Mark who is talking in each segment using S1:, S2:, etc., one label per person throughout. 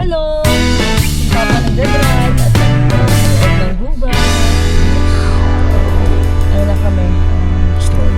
S1: Hello! Papa nagdadrive at nagdadrive ng gubat. Ano na kami?
S2: Stroll.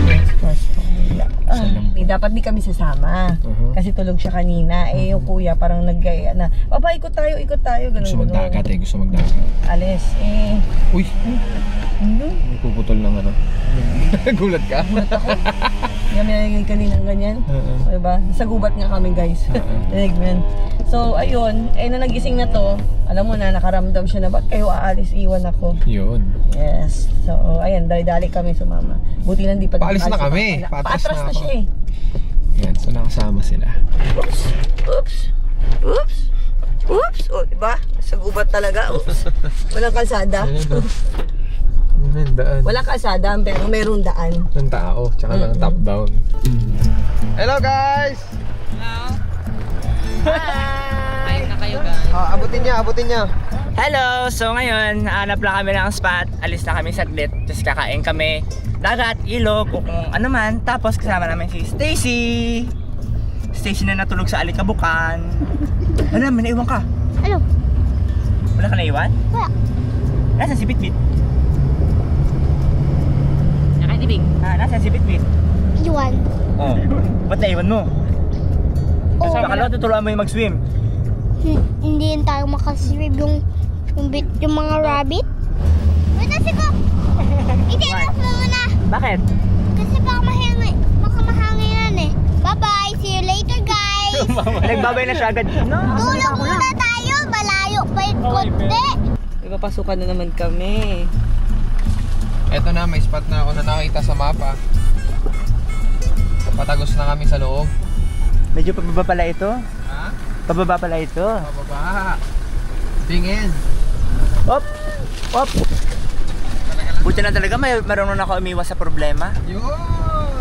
S1: Dapat di kami sasama. Kasi tulog siya kanina. Eh yung kuya parang naggaya na, Papa, ikot tayo. Ganun,
S2: Gusto magdagat eh, gusto magdagat.
S1: Alis.
S2: Uy! May puputol ng ano. Gulat ka?
S1: Gulat ako. Hindi kami nalagay kaninang ganyan. Diba? Sa gubat nga kami, guys. Nalig mo yan. So, ayun. Na nagising na to, alam mo na, nakaramdam siya na, ba't kayo aalis? Iwan ako.
S2: Yun.
S1: Yes. So, ayan, dali-dali kami sumama. Buti lang di pa.
S2: Paalis na kami.
S1: Paatras na siya eh.
S2: Yan, so nakasama sila.
S1: Oops. O, diba? Sa gubat talaga. Oops. Walang kalsada.
S2: Yan, daan.
S1: Walang kalsada, pero merong daan.
S2: Ng tao, tsaka ng top down. Hello guys!
S1: Hi!
S3: Na kayo guys.
S2: Abutin niya.
S3: Hello! So ngayon, hanap lang kami ng spot. Alis na kami saglit. Tapos kakain kami. Dagat, ilog, o kung ano man. Tapos kasama namin si Stacy. Stacy na natulog sa alikabukan. Ano, may naiwan ka?
S4: Ano?
S3: Wala ka naiwan?
S4: Wala.
S3: Nasaan si Bitbit?
S1: Nakatibig.
S3: Nasaan si Bitbit?
S4: Iwan.
S3: Oh. Ba't naiwan mo?
S4: Oh.
S3: Akala ko tuturuan mo yung mag-swim.
S4: Hindi yun tayo makasirib yung mga rabbit. Wait na ko. I-take mo muna.
S3: Bakit?
S4: Kasi baka mahanginan eh. Bye-bye. See you later, guys.
S3: Nagbabay na siya agad. No,
S4: Tulog muna tayo. Malayo pa yung konti.
S1: Ipapasukan na naman kami.
S2: Eto na, may spot na ako na nakita sa mapa. Patagos na kami sa loob.
S3: Medyo pababa pala ito.
S2: Ha?
S3: Pababa pala ito.
S2: Pababa. Tingin.
S3: Op! Buti na talaga, marunong ako umiwas sa problema.
S2: Yun!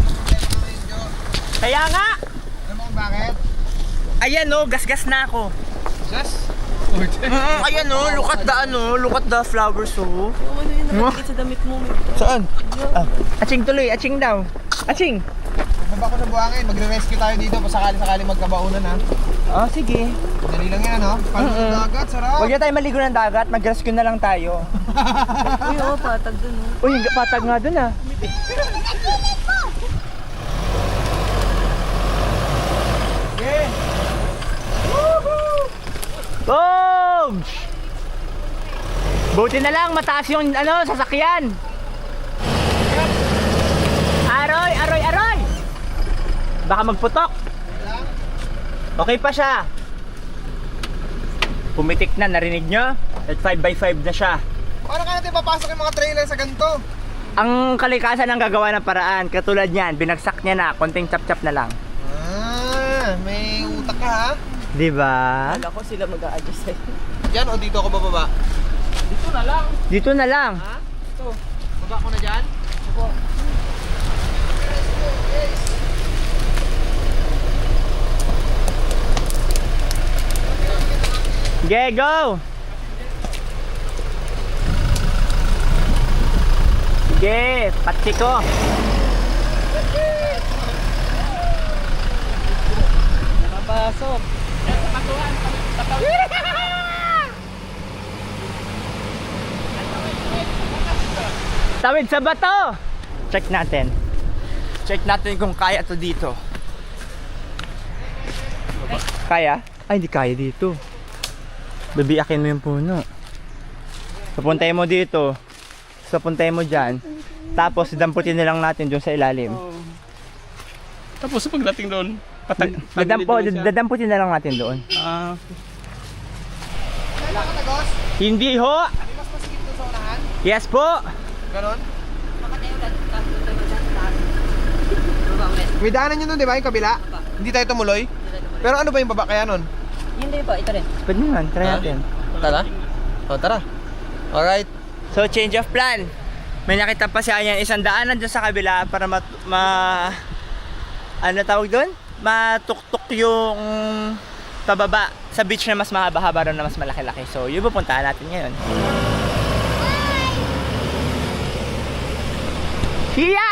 S3: Kaya nga!
S2: Alam mo kung bakit?
S3: Ayan o, gasgas na ako.
S2: Just?
S3: Ayan o, look at the flowers o.
S1: Ano yun, nakakit sa damit mo.
S3: Saan? Aching tuloy, aching daw. Aching!
S2: Baba ko na buhangin, magre-rescue tayo dito pa sakali makabaunan ha.
S3: Oh, sige.
S2: Dali lang yan, no? Paano ng dagat, sarap!
S3: Huwag na tayo maligo ng dagat, mag-rescue na lang tayo.
S1: Uy, patag dun
S3: Uy, patag nga dun ah.
S2: Okay!
S3: Boom! Buti na lang, mataas yung sasakyan. Aroy! Baka magputok. Okay pa siya. Pumitik na, narinig nyo? At 5x5 na siya.
S2: Paano ka natin papasok yung mga trailer sa ganito?
S3: Ang kalikasan ang gagawa ng paraan. Katulad niyan, binagsak niya na, konting chap-chap na lang.
S2: May utak ka ha?
S3: Diba?
S1: Kala ko sila mag-a-adjust sa'yo.
S2: Diyan o dito ako bababa?
S3: Dito na lang.
S2: Ha? Ito. Baba ko na dyan? Opo.
S3: Okay, go! Sige, patsi ko.
S1: Nakapasok.
S3: Tawid sa bato! Check natin. Check natin kung kaya to dito. Kaya? Ay, hindi kaya dito. Bibiyakin mo yung puno. Papuntay mo dito. Papuntay mo dyan. Tapos damputin na lang natin dun sa ilalim.
S5: Tapos pagdating doon,
S3: Dadamputin na lang natin doon.
S2: Kailan ka tagos?
S3: Hindi ho!
S2: May mas masigit doon sa unahan?
S3: Yes po!
S2: Ganon? May daanan nyo nun, di ba? Yung kabila? Hindi tayo tumuloy? Pero ano ba yung baba kaya nun?
S1: Hindi po, ito rin.
S3: Pwede naman, try natin.
S2: Tara? O, tara. Alright.
S3: So, change of plan. May nakita pa siya yan, isang daanan dyan sa kabila para ano tawag doon? Matuktok yung pababa sa beach na mas mahaba-haba rin na mas malaki-laki. So, yun pupuntahan natin ngayon. Yeah!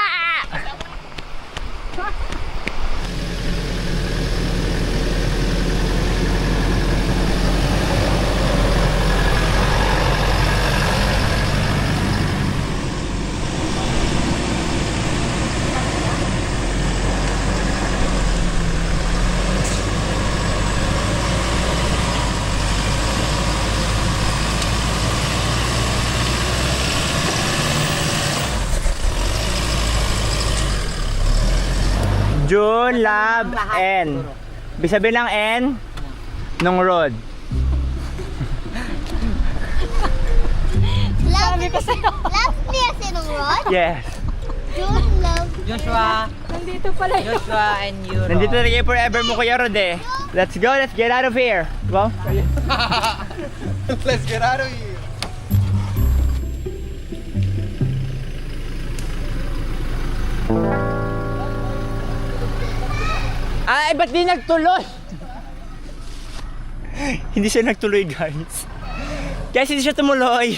S3: June, Lab, N. Ibig sabihin ng N, nung road.
S4: Sabi ko sa'yo. Love niya sinong Rod?
S3: Yes.
S4: June, love.
S6: Joshua. Nandito pala yun. Joshua and Euro.
S3: Nandito na kayo forever mo, Kuya Rod eh. Let's go, let's get out of here. Go.
S2: Let's get out of here.
S3: Ay, ba't di nagtuloy? Hindi siya nagtuloy, guys. Guys, hindi siya tumuloy.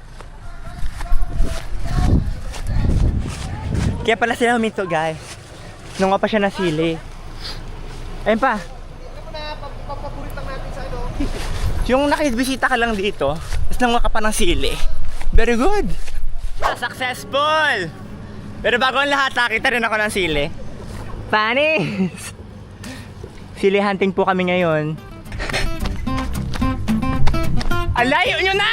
S3: Kaya pala sila huminto, guys. Nung nga pa siya nasili. Ayun pa.
S2: Papaborit lang natin sa ano.
S3: Yung nakibisita ka lang dito, tapos nanguha ka pa ng sili. Very good. Successful! Pero bago ang lahat, nakita rin ako ng sili. Panis! Sili hunting po kami ngayon. Ang layo nyo na!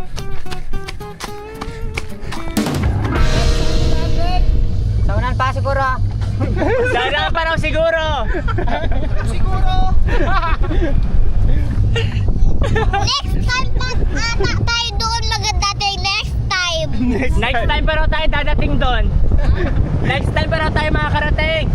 S6: Saunan pa siguro.
S3: Sana pa raw siguro!
S4: Next time pag ata tayo doon maganda tayo next time.
S3: Next time pa raw tayo dadating doon. Next time pa raw tayo makakarating.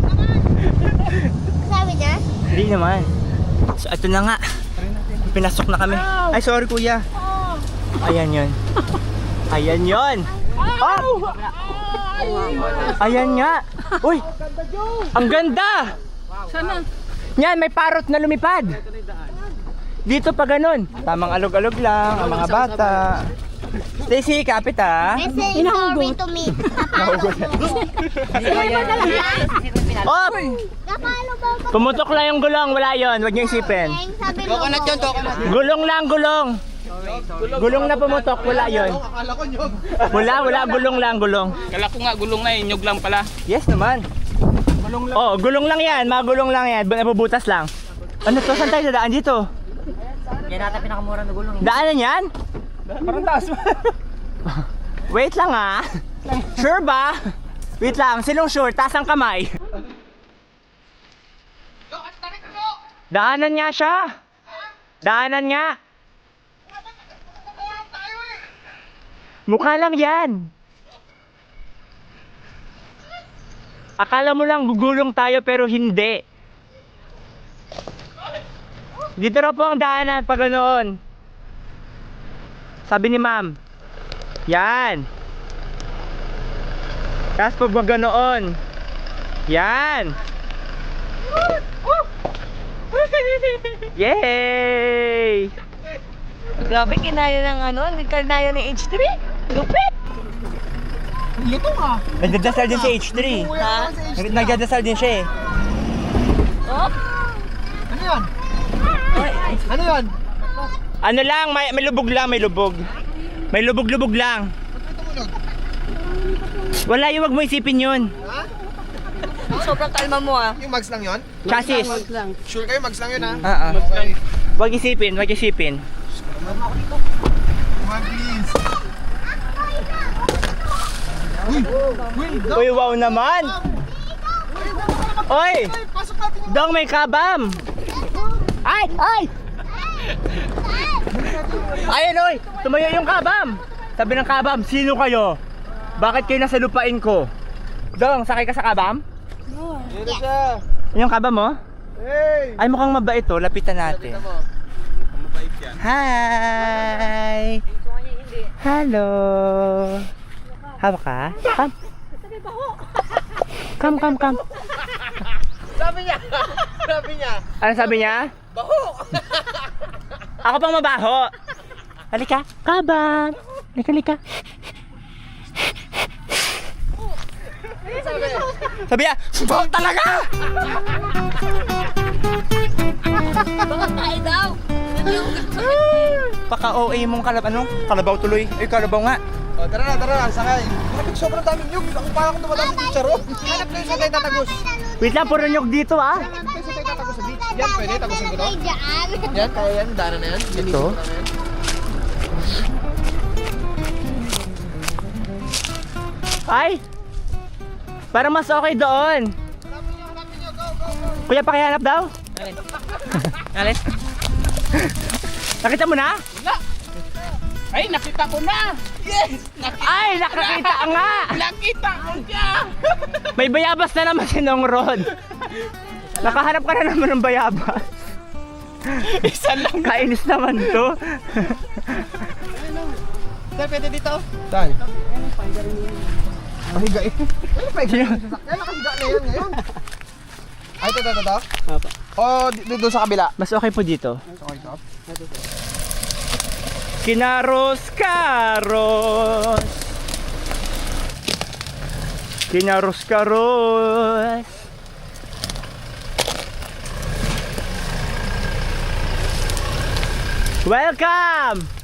S4: Sabi niya?
S3: Hindi naman. So ito na nga. Pinasok na kami. Ay sorry kuya. Ayan yun. Ayan yun. Oh! Ayan nga. Uy! Ang ganda!
S6: Sana.
S3: Yan, may parrot na lumipad. Dito pa ganun. Tamang alog-alog lang ang mga bata. Stacy, kapit ah.
S4: I say sorry to me. Napalo mo.
S3: Oh!
S4: Napalo mo.
S3: Pumutok lang yung gulong. Wala yun. Huwag niyo isipin.
S4: Sabi mo.
S2: Coconut yun, coconut.
S3: Gulong lang, gulong. Gulong na pumutok. Wala yun.
S2: Akala ko nyog.
S3: Wala. Gulong lang, gulong.
S5: Kala ko nga gulong na nyog lang pala.
S3: Yes naman. Oh, gulong lang yan. Mga gulong lang yan. Nabubutas lang. Ano to? Saan tayo dadaan dito?
S6: Yan ata pinakamura na gulong.
S3: Daanan yan?
S5: Parang taas mo.
S3: Wait lang ah. Sure ba? Wait lang. Sinong sure? Taas ang kamay. Daanan nga siya. Daanan nga. Mukha lang yan. Akala mo lang gugulong tayo pero hindi. Dito na po ang daanan pag ganoon. Sabi ni ma'am. Yan. Tapos pag ganoon. Yan. Yay!
S1: Grabe, kinaya ng ano, kinaya ng H3. Lupit!
S2: Luto ka.
S3: Nagdadasal din si H3.
S1: Ha?
S3: Nagdadasal din siya eh.
S1: Oh?
S2: Ano yan? Ano yan?
S3: Ano lang, may lubog lang, may lubog. May lubog-lubog lang. Wala yung wag mo isipin yun.
S1: Sobrang kalma mo ah.
S2: Yung mags lang yun?
S3: Chassis.
S2: Sure kayo, mags lang yun ha?
S3: Okay. Wag isipin, wag isipin.
S2: Mag please.
S3: Uy, wow naman! Oy!
S2: Pasok natin yung...
S3: Dong, may kabam! Ay! Ay! Ayun, oy! Tumayo yung kabam! Sabi ng kabam, sino kayo? Bakit kayo nasa lupain ko? Dong, sakay ka sa kabam?
S2: Dito siya.
S3: Yung kabam mo?
S2: Hey!
S3: Ay, mukhang mabait to. Lapitan natin. Hi! Hello! Hawak ka? Come.
S2: Sabi niya! Sabi niya!
S3: Ano sabi niya?
S2: Baho!
S3: Ako pang mabaho. Halika. Kabam. Halika. Sabi niya, baho talaga!
S1: Bakit daw?
S3: Paka-OA mong kalabaw tuloy. Ay, kalabaw nga.
S2: O, tara na, sakay. Bakit sobrang daming nyug? Ako parang kung dumadami sa charo. Hanap kayo sa tayo tatagos.
S3: Wait lang, puro nyog dito ah.
S2: Hanap kayo sa tayo tatagos sa beach. Yan, pwede, tagosin ko to.
S4: Ay, dyan.
S2: Yan, kaya yan, daanan na yan.
S3: Ito? Ay! Parang mas okay doon. Kuya, pakihanap daw. Alin? Nakita mo na?
S5: Ay, nakita ko na! Yes!
S3: Ay, nakakita nga!
S5: Nakita ko siya!
S3: May bayabas na naman si Nong Rod. Nakahanap ka na naman ng bayabas.
S5: Isa lang.
S3: Kainis naman to.
S2: Sir, pwede dito? Saan? Mahiga eh. Ano pa yung sasakyan? Nakahiga na yan ngayon. Ay, ito. O, doon sa kabila.
S3: Mas okay po dito.
S2: Okay, ito.
S3: Kinaros. Welcome!